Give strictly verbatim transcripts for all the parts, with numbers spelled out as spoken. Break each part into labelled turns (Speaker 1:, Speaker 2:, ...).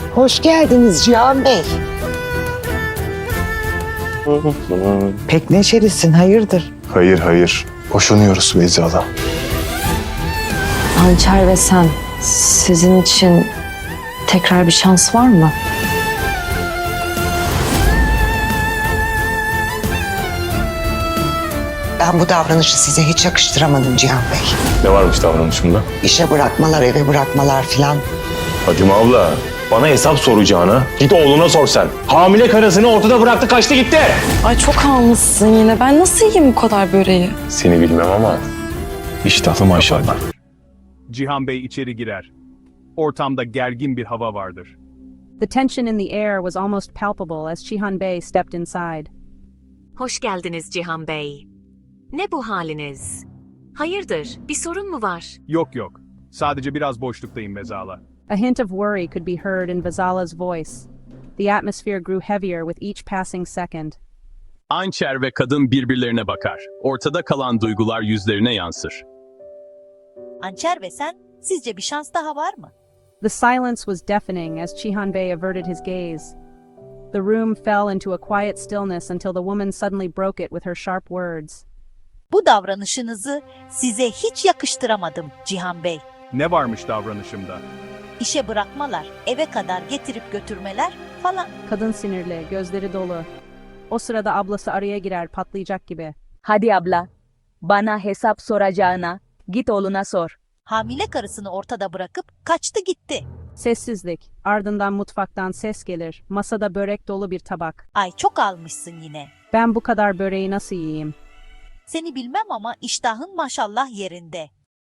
Speaker 1: Hoş geldiniz Cihan Bey. Pek neşelisin, hayırdır?
Speaker 2: Hayır hayır. Boşanıyoruz Beyza'la.
Speaker 3: Hançer ve sen, sizin için tekrar bir şans var mı?
Speaker 1: Ben bu davranışı size hiç yakıştıramadım Cihan Bey.
Speaker 2: Ne varmış davranışımda?
Speaker 1: İşe bırakmalar, eve bırakmalar filan.
Speaker 2: Hacım abla, bana hesap soracağına git oğluna sor sen. Hamile karısını ortada bıraktı, kaçtı gitti.
Speaker 3: Ay çok almışsın yine. Ben nasıl yiyeyim bu kadar böreği?
Speaker 2: Seni bilmem ama iştahlı maşallah.
Speaker 4: Cihan Bey içeri girer. Ortamda gergin bir hava vardır.
Speaker 5: The tension in the air was almost palpable as Cihan Bey stepped inside.
Speaker 6: Hoş geldiniz Cihan Bey. Ne bu haliniz? Hayırdır, bir sorun mu var?
Speaker 4: Yok yok. Sadece biraz boşluktayım Vezala.
Speaker 5: A hint of worry could be heard in Vazala's voice. The atmosphere grew heavier with each passing second.
Speaker 4: Hançer ve kadın birbirlerine bakar. Ortada kalan duygular yüzlerine yansır.
Speaker 7: Hançer ve sen, sizce bir şans daha var mı?
Speaker 5: The silence was deafening as Cihan Bey averted his gaze. The room fell into a quiet stillness until the woman suddenly broke it with her sharp words.
Speaker 7: Bu davranışınızı size hiç yakıştıramadım Cihan Bey.
Speaker 4: Ne varmış davranışımda?
Speaker 7: İşe bırakmalar, eve kadar getirip götürmeler falan.
Speaker 5: Kadın sinirli, gözleri dolu. O sırada ablası araya girer, patlayacak gibi.
Speaker 8: Hadi abla, bana hesap soracağına git oğluna sor.
Speaker 7: Hamile karısını ortada bırakıp kaçtı gitti.
Speaker 5: Sessizlik, ardından mutfaktan ses gelir. Masada börek dolu bir tabak.
Speaker 7: Ay çok almışsın yine.
Speaker 5: Ben bu kadar böreği nasıl yiyeyim?
Speaker 7: Seni bilmem ama iştahın maşallah yerinde.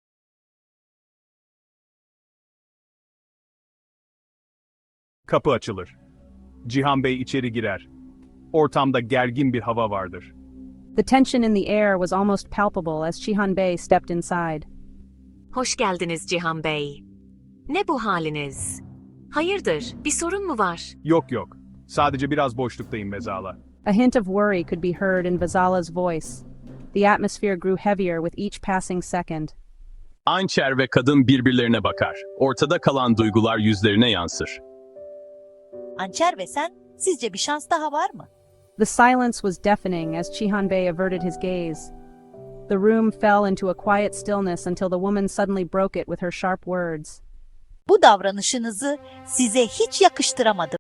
Speaker 4: Kapı açılır. Cihan Bey içeri girer. Ortamda gergin bir hava vardır.
Speaker 5: The tension in the air was almost palpable as Cihan Bey stepped inside.
Speaker 6: Hoş geldiniz Cihan Bey. Ne bu haliniz? Hayırdır, bir sorun mu var?
Speaker 4: Yok yok. Sadece biraz boşluktayım Vezala.
Speaker 5: A hint of worry could be heard in Vazala's voice. The atmosphere grew heavier with each passing second.
Speaker 4: Hançer ve kadın birbirlerine bakar. Ortada kalan duygular yüzlerine yansır.
Speaker 7: Hançer ve sen, sizce bir şans daha var mı?
Speaker 5: The silence was deafening as Cihan Bey averted his gaze. The room fell into a quiet stillness until the woman suddenly broke it with her sharp words.
Speaker 7: Bu davranışınızı size hiç yakıştıramadım.